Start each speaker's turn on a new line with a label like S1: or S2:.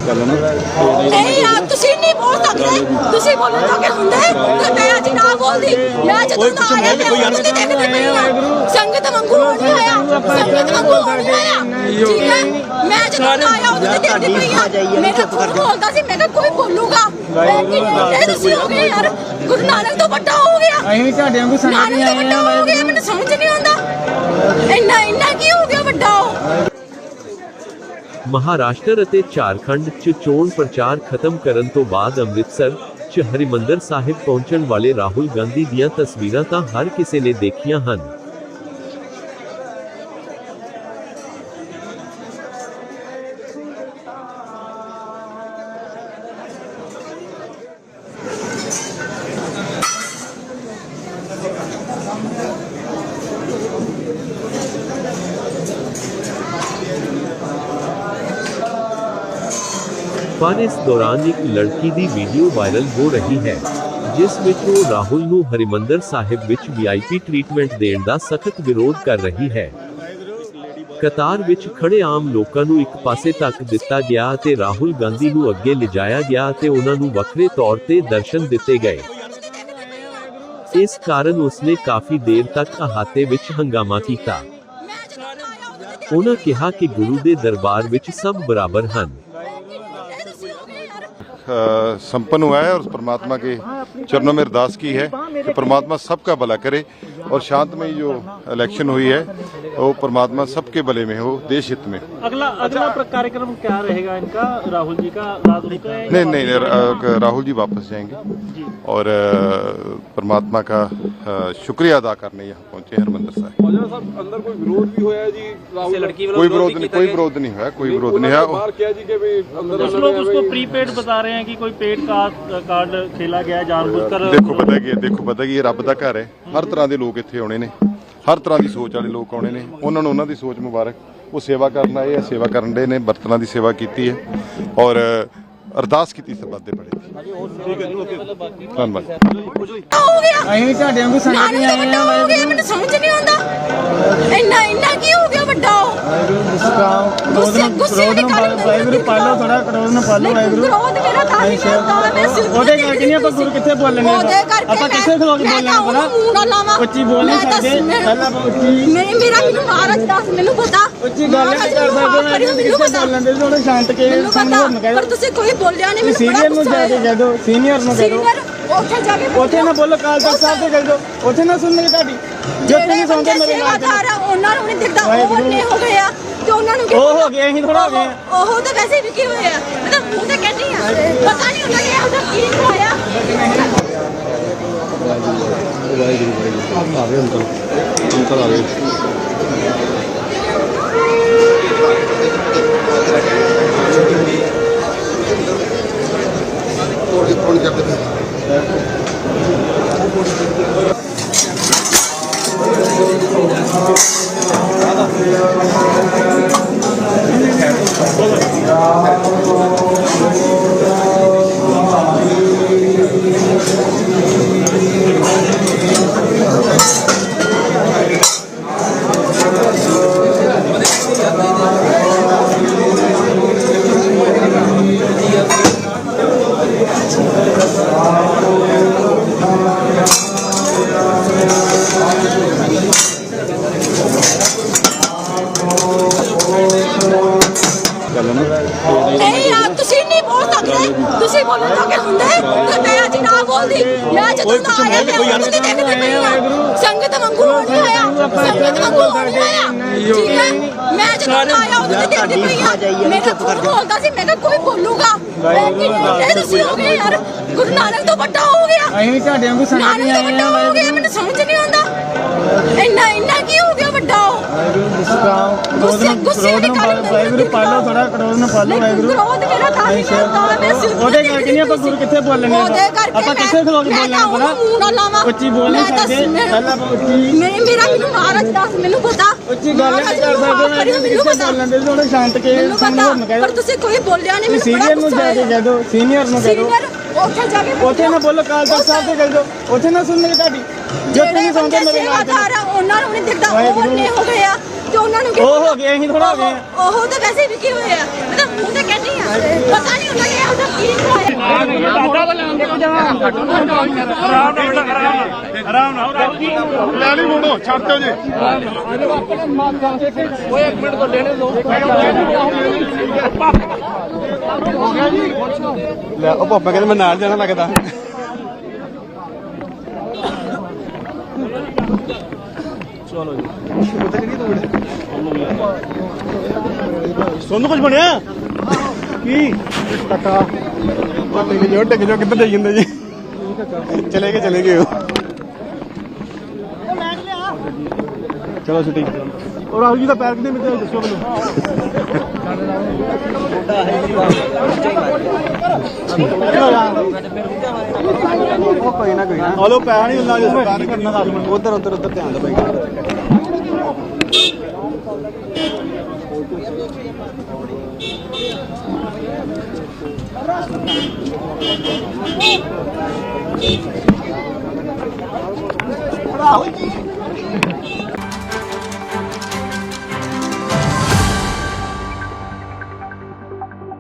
S1: नहीं यार तुसी नहीं बोल सकते, तुसी बोलने तो क्या हुंदे ते मैं अज ना बोलदी। मैं जदों दा आया मैं उदों दी देखदी पई हां संगत वांगू नहीं आया, संगत वांगू नहीं आया, ठीक है। मैं जदों दा आया उदों दी देखदी पई हां मेरा फोन बोलदा सी, मैं कहा कोई बोलूगा लेकिन तुसी हो गए यार, गुरु नानक तो बड़ा हो गया,
S2: ਅਸੀਂ ਤੁਹਾਡੇ ਵਾਂਗੂ ਸੰਗਤ ਨਹੀਂ ਆਏ
S1: बड़ा हो गया, मैंने समझ नहीं आंदा इन्ना इन्ना की हो गया बड़ा।
S3: ਮਹਾਰਾਸ਼ਟਰ ਅਤੇ ਝਾਰਖੰਡ 'ਚ ਚੋਣ ਪ੍ਰਚਾਰ ਖਤਮ ਕਰਨ ਤੋਂ ਬਾਅਦ ਅੰਮ੍ਰਿਤਸਰ 'ਚ ਹਰਿਮੰਦਰ ਸਾਹਿਬ ਪਹੁੰਚਣ ਵਾਲੇ ਰਾਹੁਲ ਗਾਂਧੀ ਦੀਆਂ ਤਸਵੀਰਾਂ ਤਾਂ ਹਰ ਕਿਸੇ ਨੇ ਦੇਖੀਆਂ ਹਨ। पर इस दौरान एक लड़की की वीडियो वायरल हो रही है जिस विच वो राहुल नूं हरिमंदर साहिब विच वीआईपी ट्रीटमेंट देण दा सख्त विरोध कर रही है। कतार विच खड़े आम लोकां नूं एक पासे तक दिता गया ते राहुल गांधी नूं अगे लिजाया गया ते उन्हां नूं वखरे तौर ते दर्शन दिते गए। इस कारण उसने काफी देर तक अहाते विच हंगामा कीता। उन्हां कहा कि गुरु दे दरबार विच सब बराबर हन।
S4: संपन्न हुआ है और परमात्मा के चरणों में अरदास की है कि परमात्मा सबका भला करे और शांतमयी जो इलेक्शन हुई है वो परमात्मा सबके भले में हो, देश हित में।
S5: अगला कार्यक्रम क्या रहेगा इनका? राहुल जी का
S4: नहीं, राहुल जी वापस जाएंगे और परमात्मा का शुक्रिया अदा करने यहाँ पहुंचे हरमंदिर साहिब।
S6: अंदर कोई विरोध भी होया जी?
S4: कोई विरोध नहीं, कोई विरोध नहीं है, कोई विरोध नहीं है।
S5: कुछ लोग उसको प्रीपेड बता रहे हैं कि कोई पेड कार्ड खेला गया जानबूझकर।
S4: देखो पता की ये रब दा घर है, हर तरह के लोग इत्थे आने ने, हर तरह की सोच वाले लोग आने ने, उन्होंने उन्होंने दी सोच मुबारक, वो सेवा करना है, सेवा करन दे ने, बर्तनां दी सेवा की है और अरदास की सबद दे बड़े धन्यवाद।
S2: ਅਸੀਂ ਤੁਹਾਡੇ ਵਾਂਗੂ ਸੰਗਤ ਨਹੀਂ ਆਏ
S1: हो गया मैंने समझ नहीं आंदा इन्ना इन्ना की हो गया बड़ा।
S2: ਗੁੱਸੇ ਵਾਹਿਗੁਰੂ ਪਾਲੋ, ਥੋੜਾ ਕਰੋੜ ਨੂੰ ਪਾਲੋ ਵਾਹਿਗੁਰੂ। ਉਹਦੇ ਕਰਕੇ ਨਹੀਂ ਆਪਾਂ ਗੁਰੂ ਕਿੱਥੇ ਬੋਲਣੇ, ਆਪਾਂ ਕਿੱਥੇ ਖਲੋ ਕੇ ਬੋਲਣਾ, ਉੱਚੀ ਬੋਲ ਨਹੀਂ ਸਕਦੇ। ਪਹਿਲਾਂ ਉੱਚੀ
S1: ਮੇਰਾ ਮੈਨੂੰ ਮਹਾਰਾਜ ਦੱਸ ਮੈਨੂੰ ਪਤਾ
S2: ਉੱਚੀ ਗੱਲ ਨਹੀਂ ਕਰ ਸਕਦੇ, ਕਿੱਥੇ ਬੋਲਣ ਦੇ ਥੋੜੇ ਸ਼ਾਂਤ ਕੇ ਸਾਨੂੰ ਕਹਿ
S1: ਪਰ ਤੁਸੀਂ ਕੋਈ ਬੋਲਿਆ ਨਹੀਂ। ਮੈਨੂੰ
S2: ਸੀਨੀਅਰ ਨੂੰ ਜਾ ਕੇ ਕਹਿ ਦਿਓ, ਸੀਨੀਅਰ ਨੂੰ ਕਹਿ ਦਿਓ,
S1: ਉੱਥੇ ਜਾ ਕੇ
S2: ਉੱਥੇ ਨਾ ਬੋਲੋ, ਕਾਲ ਤਖਤ ਸਾਹਿਬ ਤੇ ਕਹਿ ਦਿਓ, ਉੱਥੇ ਨਾ ਸੁਣਨਗੇ ਤੁਹਾਡੀ। ਜਦ ਨਹੀਂ ਸੁਣਦੇ ਮੇਰੇ ਨਾਲ
S1: ਉਹਨਾਂ ਨੂੰ ਨਹੀਂ ਦਿਖਦਾ, ਉਹ ਨੇ ਹੋ ਗਿਆ ਤੇ ਉਹਨਾਂ ਨੂੰ
S2: ਉਹ ਹੋ ਗਿਆ, ਅਸੀਂ ਥੋੜਾ ਹੋ ਗਏ।
S1: ਉਹ ਤਾਂ ਵੈਸੇ ਵੀ ਕੀ ਹੋਇਆ, ਮੈਂ ਤਾਂ ਮੂੰਹ ਤੇ ਕਹਿੰਦੀ ਆ, ਪਤਾ ਨਹੀਂ ਉਹਨਾਂ ਨੇ ਉਹਦਾ ਕੀ ਹੋਇਆ।
S4: आवे अंकल आवे।
S1: नहीं यार तुसी नहीं बोल सकते, तुसी बोलने तो क्या हुंदे ते मैं अज ना बोलदी। मैं जदों दा आया मैं उदों दी देखदी पई हां संगत वांगू नहीं आया, संगत वांगू नहीं आया, ठीक है। मैं जदों दा आया उदों दी देखदी पई हां मेरा फोन बोलदा सी, मैं कहा कोई बोलूगा लेकिन तुसी हो गए यार, गुरु नानक तो बड़ा हो गया।
S2: ਅਸੀਂ ਤੁਹਾਡੇ ਵਾਂਗੂ ਸੰਗਤ ਨਹੀਂ ਆਏ
S1: हो गया मैंने समझ नहीं आंदा इन्ना इन्ना की हो गया बड़ा। गुस्से
S2: ਵਾਹਿਗੁਰੂ ਪਾਲੋ, ਥੋੜਾ ਕਰੋੜ ਨੂੰ ਪਾਲੋ ਵਾਹਿਗੁਰੂ। ਉਹਦੇ ਕਰਕੇ ਨਹੀਂ ਆਪਾਂ ਗੁਰੂ ਕਿੱਥੇ ਬੋਲਣੇ, ਆਪਾਂ ਕਿੱਥੇ ਖਲੋ ਕੇ ਬੋਲਣਾ, ਉੱਚੀ ਬੋਲ ਨਹੀਂ ਸਕਦੇ। ਪਹਿਲਾਂ ਉੱਚੀ
S1: ਮੇਰਾ ਮੈਨੂੰ ਮਹਾਰਾਜ ਦੱਸ ਮੈਨੂੰ ਪਤਾ
S2: ਉੱਚੀ ਗੱਲ ਨਹੀਂ ਕਰ ਸਕਦੇ, ਕਿੱਥੇ ਬੋਲਣ ਦੇ ਥੋੜੇ ਸ਼ਾਂਤ ਕੇ ਸਾਨੂੰ ਕਹਿ।
S1: ਪਰ ਤੁਸੀਂ ਕੋਈ ਬੋਲਿਆ ਨਹੀਂ।
S2: ਸੀਨੀਅਰ ਨੂੰ ਜਾ ਕੇ ਕਹਿ ਦਿਓ, ਸੀਨੀਅਰ ਨੂੰ ਕਹਿ ਦਿਓ,
S1: ਉੱਥੇ ਜਾ ਕੇ
S2: ਉੱਥੇ ਨਾ ਬੋਲੋ, ਕਾਲ ਤਖਤ ਸਾਹਿਬ ਤੇ ਕਹਿ ਦਿਓ, ਉੱਥੇ ਨਾ ਸੁਣਨਗੇ ਤੁਹਾਡੀ। ਜਦ ਨਹੀਂ ਸੁਣਦੇ ਮੇਰੇ ਨਾਲ
S1: ਉਹਨਾਂ ਨੂੰ ਨਹੀਂ ਦਿਖਦਾ, ਉਹ ਨੇ ਹੋ ਗਿਆ ਤੇ ਉਹਨਾਂ ਨੂੰ
S2: ਉਹ ਹੋ ਗਏ, ਅਸੀਂ ਥੋੜ੍ਹਾ ਹੋ ਗਏ ਆ।
S1: ਉਹ ਤਾਂ ਵੈਸੇ ਵੀ ਕੀ ਹੋਇਆ ਮੈਂ ਤਾਂ ਮੂੰਹ ਤੇ ਕਹਿੰਦੀ ਆ ਪਤਾ ਨਹੀਂ ਉਹਨਾਂ ਨੇ ਉਹਦਾ ਕੀ
S4: ਲੈ ਲਈ ਮੋੜੋ ਛੱਡ ਦਿਓ ਜੀ
S2: ਲੈ ਉਹ ਪਾਪਾ ਕਹਿੰਦੇ ਮੈਂ ਨਾਲ ਜਾਣਾ ਲੱਗਦਾ ਚਲੋ ਜੀ ਸੋਨੂੰ ਕੁਝ ਬਣਿਆ ਕੀ ਟੱਕਾ ਟਿਕ ਜੋ ਕਿੱਧਰ ਜਾਈ ਜਾਂਦੇ ਜੀ ਚਲੇ ਗਏ ਉਹ ਚਲੋ ਛੁੱਟੀ ਉਹ ਰਾਹੁਲ ਜੀ ਦਾ ਪੈਰ ਕਿੰਨੇ ਮਿੰਟ ਦੱਸੋ ਮੈਨੂੰ ਕੋਈ ਨਾ ਹਲੋ ਪੈਸਾ ਨਹੀਂ ਹੁੰਦਾ ਜਿਸ ਸਰਕਾਰ ਕਰਨਾ ਦੱਸ ਮਿੰਟ ਉਧਰ ਧਿਆਨ ਦੇ ਭਾਈ ਰਾਹੁਲ ਜੀ